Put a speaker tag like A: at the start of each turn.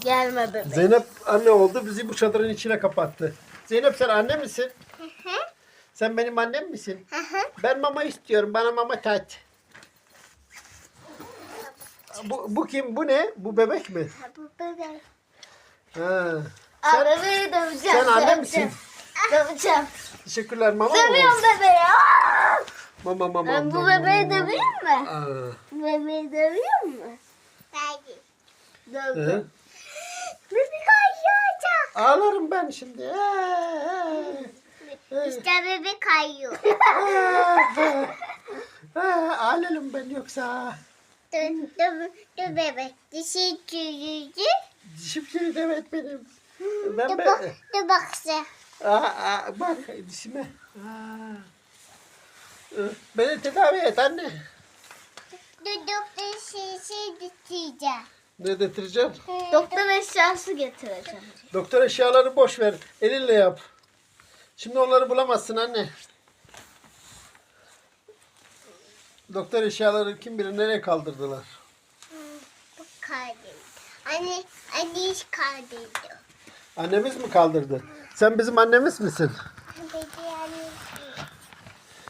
A: Gelme bebek.
B: Zeynep anne oldu, bizi bu çadırın içine kapattı. Zeynep sen anne misin? Sen benim annem misin? Ben mama istiyorum, bana mama tat. Bu kim? Bu ne? Bu bebek mi?
A: Bu bebek.
B: Ha.
A: Aa, bebeği döveceğim.
B: Sen anne misin?
A: Döveceğim.
B: Teşekkürler mama mı?
A: Dövüyorum bebeği. Aa!
B: Mama.
A: Ben bu bebeği döveyim mi?
B: Aa.
A: Bu bebeği dövüyor mu? Hayır.
B: Hı.
A: Dövdüm. Bebek kayacak.
B: Ağlarım ben şimdi.
A: İşte bebek kayıyor.
B: Ağlarım ben yoksa.
A: Dur bebek. Dişi çürüyücü.
B: Dişim çürüdü, evet benim.
A: Dur bak sen.
B: Bak dişime. Beni tedavi et anne.
A: Doktor şey getireceğim.
B: Ne getireceğim?
A: Doktor eşyası getireceğim.
B: Doktor eşyaları boş ver. Elinle yap. Şimdi onları bulamazsın anne. Doktor eşyaları kim bilir nereye kaldırdılar.
A: Bu kardeşim. Anne iş kardeşim.
B: Annemiz mi kaldırdı? Sen bizim annemiz misin?